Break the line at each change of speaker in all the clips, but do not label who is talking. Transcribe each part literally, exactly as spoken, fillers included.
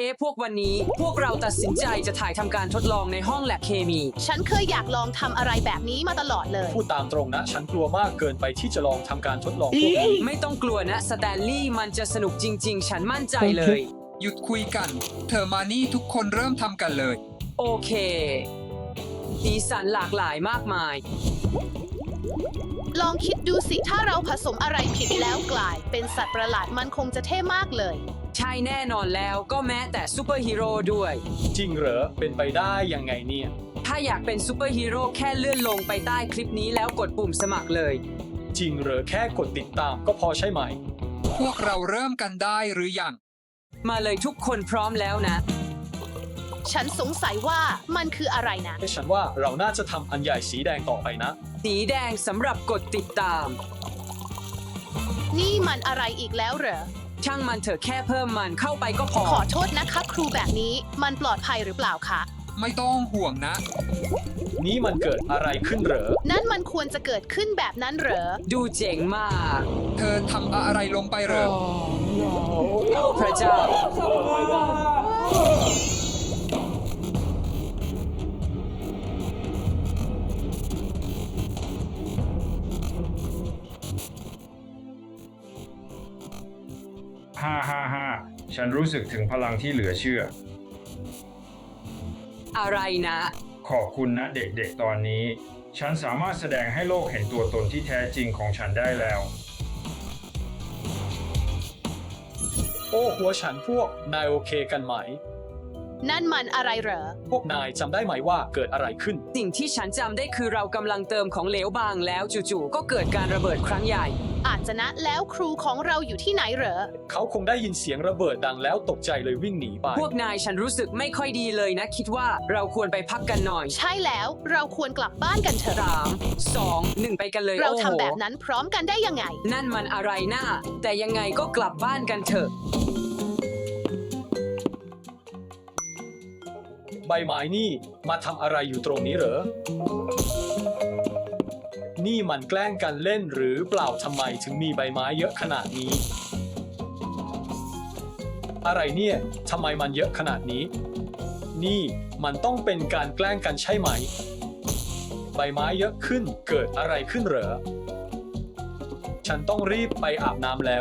พวกวันนี้พวกเราตัดสินใจจะถ่ายทำการทดลองในห้องแลบเคมี
ฉันเคยอยากลองทำอะไรแบบนี้มาตลอดเลย
พูดตามตรงนะฉันกลัวมากเกินไปที่จะลองทำการทดลองพวกนี้
ไม่ต้องกลัวนะสแตนลีย์มันจะสนุกจริงๆฉันมั่นใจเลย
หยุดคุยกันเธอมานี่ทุกคนเริ่มทำกันเลย
โอเคสีสันหลากหลายมากมาย
ลองคิดดูสิถ้าเราผสมอะไรผิดแล้วกลายเป็นสัตว์ประหลาดมันคงจะเท่มากเลย
ใช่แน่นอนแล้วก็แม้แต่ซูเปอร์ฮีโร่ด้วย
จริงเหรอเป็นไปได้ยังไงเนี่ย
ถ้าอยากเป็นซูเปอร์ฮีโร่แค่เลื่อนลงไปใต้คลิปนี้แล้วกดปุ่มสมัครเลย
จริงเหรอแค่กดติดตามก็พอใช่ไหม
พวกเราเริ่มกันได้หรือยัง
มาเลยทุกคนพร้อมแล้วนะ
ฉันสงสัยว่ามันคืออะไรนะ
ฉันว่าเราน่าจะทำอันใหญ่สีแดงต่อไปนะ
สีแดงสำหรับกดติดตาม
นี่มันอะไรอีกแล้วเหรอ
ช่างมันเถอะแค่เพิ่มมันเข้าไปก็พอ
ขอโทษนะคะครูแบบนี้มันปลอดภัยหรือเปล่าคะ
ไม่ต้องห่วงนะ
นี่มันเกิดอะไรขึ้นเหรอ
นั่นมันควรจะเกิดขึ้นแบบนั้นเหรอ
ดูเจ๋งมาก
เธอทำอะไรลงไปเหรอ
พระเจ้า
ฮ่าฮ่าฮ่าฉันรู้สึกถึงพลังที่เหลือเชื่อ
อะไรนะ
ขอบคุณนะเด็กๆตอนนี้ฉันสามารถแสดงให้โลกเห็นตัวตนที่แท้จริงของฉันได้แล้ว
โอ้หัวฉันพวกนายโอเคกันไหม
นั่นมันอะไรเหรอ
พวกนายจำได้ไหมว่าเกิดอะไรขึ้น
สิ่งที่ฉันจำได้คือเรากำลังเติมของเหลวบางแล้วจู่ๆก็เกิดการระเบิดครั้งใหญ่
อาจจะนะแล้วครูของเราอยู่ที่ไหนเหรอ
เขาคงได้ยินเสียงระเบิดดังแล้วตกใจเลยวิ่งหนีไป
พวกนายฉันรู้สึกไม่ค่อยดีเลยนะคิดว่าเราควรไปพักกันหน่อย
ใช่แล้วเราควรกลับบ้านกันเถอะ
สามสองหนึ่งไปกันเลย
เราทำแบบนั้นพร้อมกันได้ยังไง
นั่นมันอะไรน่าแต่ยังไงก็กลับบ้านกันเถอะ
ใบไม้นี่มาทำอะไรอยู่ตรงนี้เหรอนี่มันแกล้งกันเล่นหรือเปล่าทำไมถึงมีใบไม้เยอะขนาดนี้อะไรเนี่ยทำไมมันเยอะขนาดนี้นี่มันต้องเป็นการแกล้งกันใช่ไหมใบไม้เยอะขึ้นเกิดอะไรขึ้นเหรอฉันต้องรีบไปอาบน้ำแล้ว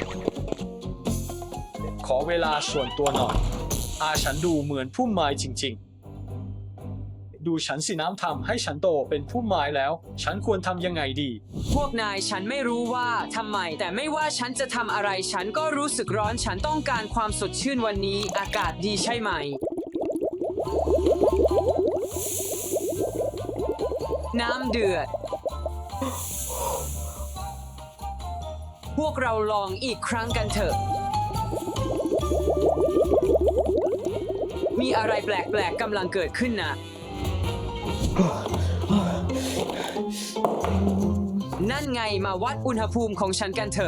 ขอเวลาส่วนตัวหน่อยอาฉันดูเหมือนพุ่มไม้จริงๆดูฉันสิน้ำทำให้ฉันโตเป็นพุ่มไม้แล้วฉันควรทำยังไงดี
พวกนายฉันไม่รู้ว่าทำไมแต่ไม่ว่าฉันจะทำอะไรฉันก็รู้สึกร้อนฉันต้องการความสดชื่นวันนี้อากาศดีใช่ไหมน้ำเดือดพวกเราลองอีกครั้งกันเถอะมีอะไรแปลกๆกำลังเกิดขึ้นนะนั่นไงมาวัดอุณหภูมิของฉันกันเถอะ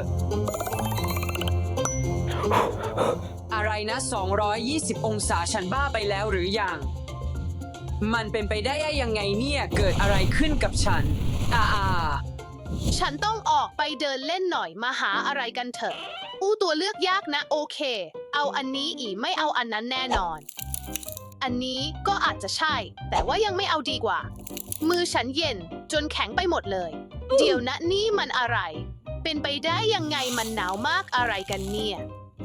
อะไรนะสองร้อยยี่สิบองศาฉันบ้าไปแล้วหรือยังมันเป็นไปได้ยังไงเนี่ยเกิดอะไรขึ้นกับฉันอ่า
ฉันต้องออกไปเดินเล่นหน่อยมาหาอะไรกันเถอะอู้ตัวเลือกยากนะโอเคเอาอันนี้อีไม่เอาอันนั้นแน่นอนอันนี้ก็อาจจะใช่แต่ว่ายังไม่เอาดีกว่ามือฉันเย็นจนแข็งไปหมดเลยเดี๋ยวนะนี่มันอะไรเป็นไปได้ยังไงมันหนาวมากอะไรกันเนี่ย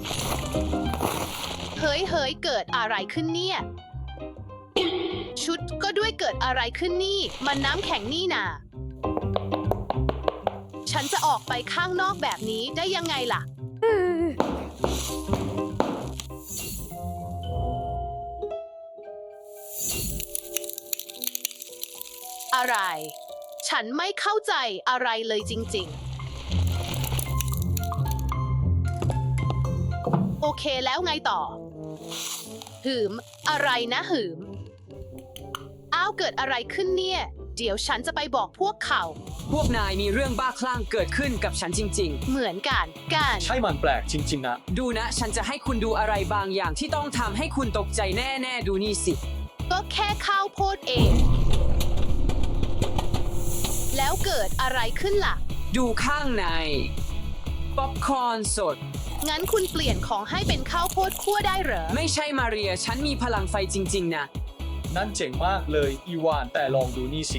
เฮ้ยเฮ้ยเกิดอะไรขึ้นเนี่ยชุดก็ด้วยเกิดอะไรขึ้นนี่มันน้ำแข็งนี่นาฉันจะออกไปข้างนอกแบบนี้ได้ยังไงล่ะอะไรฉันไม่เข้าใจอะไรเลยจริงๆโอเคแล้วไงต่อหืมอะไรนะหืมอ้าวเกิดอะไรขึ้นเนี่ยเดี๋ยวฉันจะไปบอกพวกเขา
พวกนายมีเรื่องบ้าคลั่งเกิดขึ้นกับฉันจริง
ๆเหมือนกันกัน
ใช่มันแปลกจริงๆนะ
ดูนะฉันจะให้คุณดูอะไรบางอย่างที่ต้องทำให้คุณตกใจแน่ๆดูนี่สิ
ก็แค่ข้าวโพดเองแล้วเกิดอะไรขึ้นล่ะ
ดูข้างในป๊อปคอร์นสด
งั้นคุณเปลี่ยนของให้เป็นข้าวโพดคั่วได้เหรอ
ไม่ใช่มาเรีย ฉันมีพลังไฟจริงๆนะ
นั่นเจ๋งมากเลยอีวานแต่ลองดูนี่สิ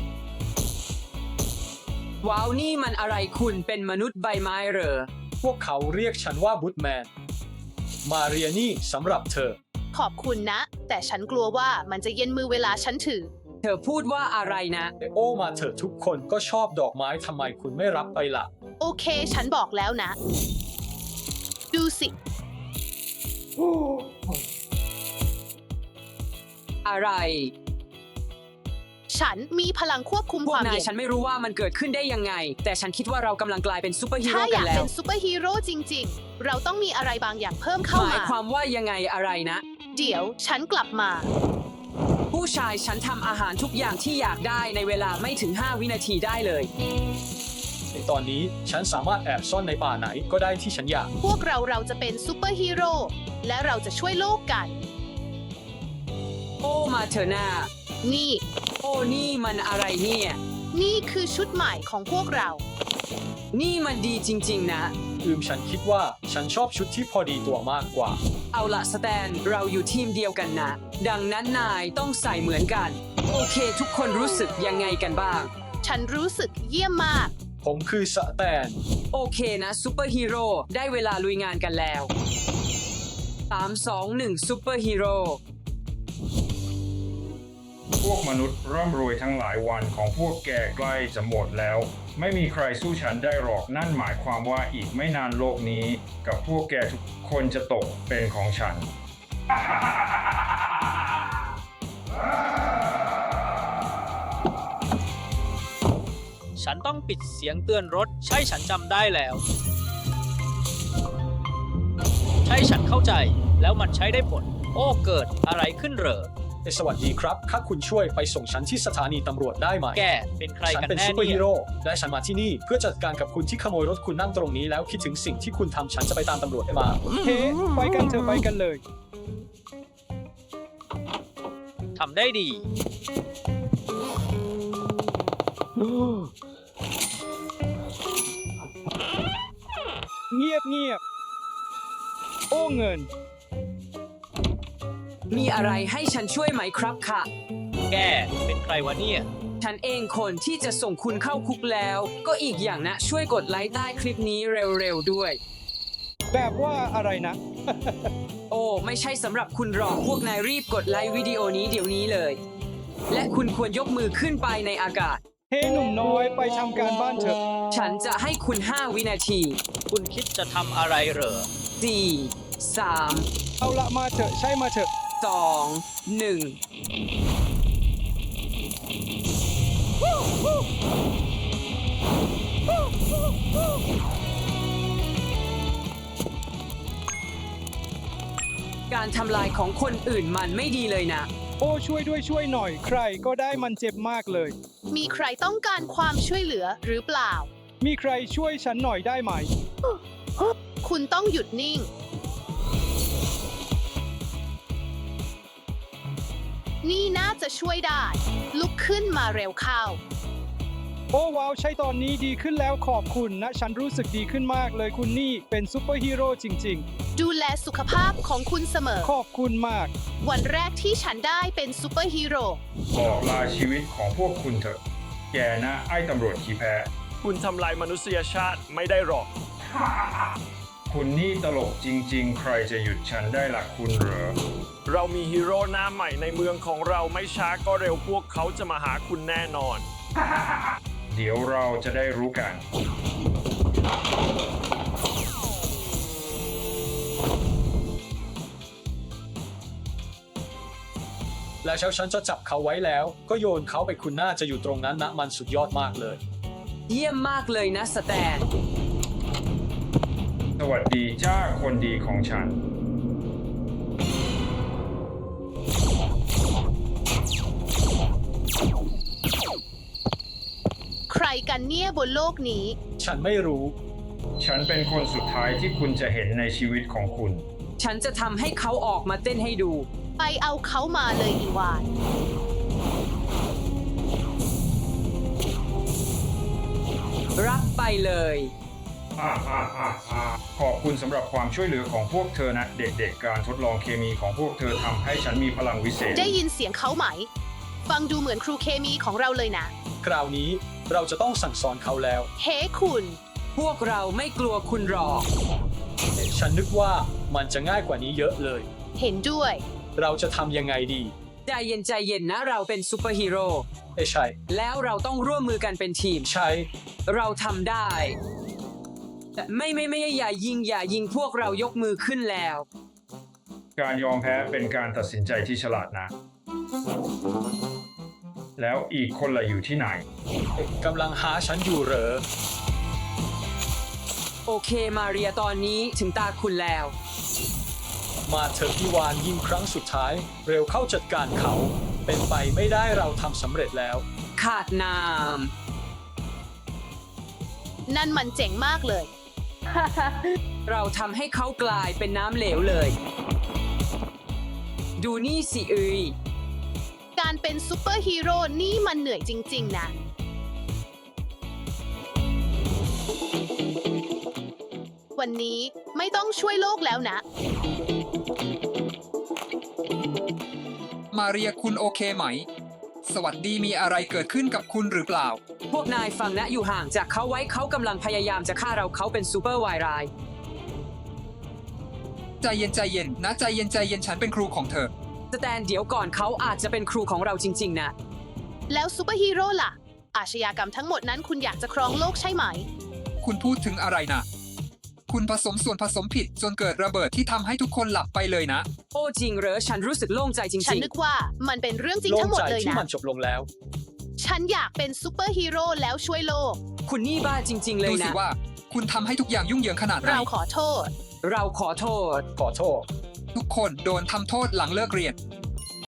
ว้าวนี่มันอะไรคุณเป็นมนุษย์ใบไม้เหรอ
พวกเขาเรียกฉันว่าบูทแมนมาเรียนี่สำหรับเธอ
ขอบคุณนะ แต่ฉันกลัวว่ามันจะเย็นมือเวลาฉันถือ
เธอพูดว่าอะไรนะ
โอ้มาเถอะทุกคนก็ชอบดอกไม้ทำไมคุณไม่รับไปล่ะ
โอเค ฉันบอกแล้วนะ ดูสิ
อะไร
ฉันมีพลังควบคุม
พว
ค
ก
วาม
นาย
เย็น
ฉันไม่รู้ว่ามันเกิดขึ้นได้ยังไง แต่ฉันคิดว่าเรากำลังกลายเป็นซูเปอร์ฮี
ถ้า
โร่
อ
กั
ยาน ก
แล้
เป็
ว
นซูเปอร์ฮีโร่จริง ๆ เราต้องมีอะไรบางอย่างเพิ่มเข้า
หมาย
มา
ความว่ายังไงอะไรนะ
เดี๋ยวฉันกลับมา
ผู้ชายฉันทำอาหารทุกอย่างที่อยากได้ในเวลาไม่ถึงห้าวินาทีได้เลย
ในตอนนี้ฉันสามารถแอบซ่อนในป่าไหนก็ได้ที่ฉันอยาก
พวกเราเราจะเป็นซูเปอร์ฮีโร่และเราจะช่วยโลกกัน
โอ้มาเถอะนา
นี่
โอ้นี่มันอะไรเนี่ย
นี่คือชุดใหม่ของพวกเรา
นี่มันดีจริงๆนะ
อืมฉันคิดว่าฉันชอบชุดที่พอดีตัวมากกว่า
เอาละสแตนเราอยู่ทีมเดียวกันนะ ดังนั้นนายต้องใส่เหมือนกัน โอเค ทุกคนรู้สึกยังไงกันบ้าง
ฉันรู้สึกเยี่ยมมาก
ผมคือสแตน
โอเคนะซูเปอร์ฮีโร่ได้เวลาลุยงานกันแล้วสาม สอง หนึ่งซูเปอร์ฮีโร่
พวกมนุษย์ร่ำรวยทั้งหลายวันของพวกแกใกล้จะหมดแล้ว ไม่มีใครสู้ฉันได้หรอกนั่นหมายความว่าอีกไม่นานโลกนี้ กับพวกแกทุกคนจะตกเป็นของฉัน
ฉันต้องปิดเสียงเตือนรถ ใช่ฉันจำได้แล้ว ใช่ฉันเข้าใจแล้วมันใช้ได้ผล โอ้เกิดอะไรขึ้นเหรอ
เอ้ยสวัสดีครับถ้าคุณช่วยไปส่งฉันที่สถานีตำรวจได้ไหม
แกเป็นใคร
ฉัน
กัน
เป็น
แน่
ซูเปอร์
เนี่
ฮี
ย
โร่และฉันมาที่นี่เพื่อจัดการกับคุณที่ขโมยรถคุณนั่งตรงนี้แล้วคิดถึงสิ่งที่คุณทำฉันจะไปตามตำรวจให้มา
เฮ้ไปกันเถอะไปกันเลย
ทำได้ดี
เงียบเงียบโอ้เงิน
มีอะไรให้ฉันช่วยไหมครับค่ะ
แกเป็นใครวะเนี่ย
ฉันเองคนที่จะส่งคุณเข้าคุกแล้ว ก็อีกอย่างนะช่วยกดไลค์ใต้คลิปนี้เร็วๆด้วย
แบบว่าอะไรนะ
โอ้ไม่ใช่สำหรับคุณหรอกพวกนายรีบกดไลค์วิดีโอนี้เดี๋ยวนี้เลย และคุณควรยกมือขึ้นไปในอากาศ
เฮ้หนุ่มน้อยไปทำการบ้านเถอะ
ฉันจะให้คุณห้าวินาที
คุณคิดจะทำอะไรเหรอ
สี่ สาม
เอาละมาเถอะใช่มาเถอะ
สอง หนึ่ง การทำลายของคนอื่นมันไม่ดีเลยนะ
โอ้ช่วยด้วยช่วยหน่อย ใครก็ได้มันเจ็บมากเลย
มีใครต้องการความช่วยเหลือหรือเปล่า
มีใครช่วยฉันหน่อยได้ไหม
คุณต้องหยุดนิ่ง นี่น่าจะช่วยได้ ลุกขึ้นมาเร็วเข้า
โอ้ว้าวใช่ตอนนี้ดีขึ้นแล้วขอบคุณนะ ฉันรู้สึกดีขึ้นมากเลยคุณนี่เป็นซูเปอร์ฮีโร่จริง
ดูแลสุขภาพของคุณเสมอ
ๆ ขอบคุณมาก
วันแรกที่ฉันได้เป็นซูเปอร์ฮีโร่
บอกลาชีวิตของพวกคุณเถอะ แกนะไอ้ตำรวจขี้แพ้
คุณทำลายมนุษยชาติไม่ได้หรอก
คุณนี่ตลกจริง ๆ ใครจะหยุดฉันได้ล่ะคุณเหรอ
เรามีฮีโร่หน้าใหม่ในเมืองของเราไม่ช้าก็เร็วพวกเขาจะมาหาคุณแน่นอน
เดี๋ยวเราจะได้รู้กัน
แล้วเช้าฉันจะจับเขาไว้แล้ว ก็โยนเขาไปคุณน่าจะอยู่ตรงนั้นนะมันสุดยอดมากเลย
เยี่ยมมากเลยนะสแตน
สวัสดีจ้าคนดีของฉัน
ใครกันเนี่ยบนโลกนี้
ฉันไม่รู้
ฉันเป็นคนสุดท้ายที่คุณจะเห็นในชีวิตของคุณ
ฉันจะทำให้เขาออกมาเต้นให้ดู
ไปเอาเขามาเลยอีวาน
รับไปเลย
อขอบคุณสำหรับความช่วยเหลือของพวกเธอนะเด็กๆ การทดลองเคมีของพวกเธอทำให้ฉันมีพลังวิเศษ
ได้ยินเสียงเขาไหม ฟังดูเหมือนครูเคมีของเราเลยนะ
คราวนี้เราจะต้องสั่งสอนเขาแล้ว
เฮ้คุณ
พวกเราไม่กลัวคุณหรอก
ฉันนึกว่ามันจะง่ายกว่านี้เยอะเลย
เห็นด้วย
เราจะทำยังไงดี
ใจเย็นใจเย็นนะเราเป็นซูเปอร์ฮีโร่
เอ้ยใช่
แล้วเราต้องร่วมมือกันเป็นทีม
ใช่
เราทำได้แต่ไม่ไม่ไม่อย่ายิงอย่ายิงพวกเรายกมือขึ้นแล้ว
การยอมแพ้เป็นการตัดสินใจที่ฉลาดนะ แล้วอีกคนละอยู่ที่ไหน
กำลังหาฉันอยู่เหรอ
โอเคมาเรียตอนนี้ถึงตาคุณแล้ว
มาเถอะอีวานยิงครั้งสุดท้าย เร็วเข้าจัดการเขา เป็นไปไม่ได้เราทำสำเร็จแล้ว
ขาดน้
นั่นมันเจ๋งมากเลย
ำ เราทำให้เขากลายเป็นน้ำเหลวเลย ดูนี่สิเอ้ย
การเป็นซูเปอร์ฮีโร่นี่มันเหนื่อยจริงๆนะ วันนี้ไม่ต้องช่วยโลกแล้วนะ
มาเรียคุณโอเคไหม สวัสดีมีอะไรเกิดขึ้นกับคุณหรือเปล่า
พวกนายฟังนะอยู่ห่างจากเขาไว้เขากำลังพยายามจะฆ่าเราเขาเป็นซูเปอร์วายร้าย
ใจเย็นใจเย็นนะใจเย็นใจเย็นฉันเป็นครูของเธอ
สแตนเดี๋ยวก่อนเขาอาจจะเป็นครูของเราจริง ๆ นะ
แล้วซูเปอร์ฮีโร่ล่ะ อาชญากรรมทั้งหมดนั้นคุณอยากจะครองโลกใช่ไหม
คุณพูดถึงอะไรนะ คุณผสมส่วนผสมผิดจนเกิดระเบิดที่ทำให้ทุกคนหลับไปเลยนะ
โอ้จริงเหรอฉันรู้สึกโล่งใจจ
ฉัน
ริง
นึกว่ามันเป็นเรื่องจริง
โล่
ทั้
ง
งหมด
ใจ
เลย
ที่
นะ
มันจบลงแล้ว
ฉันอยากเป็นซูเปอร์ฮีโร่แล้วช่วยโลก
ๆ คุณนี่บ้าจริง ๆ เล
ดู
ย
สิ
นะ
ว่า คุณทำให้ทุกอย่างยุ่งเหยิงขนาดไหน
เราขอโทษ
เราขอโทษ
ขอโทษ
ทุกคนโดนทำโทษหลังเลิกเรียน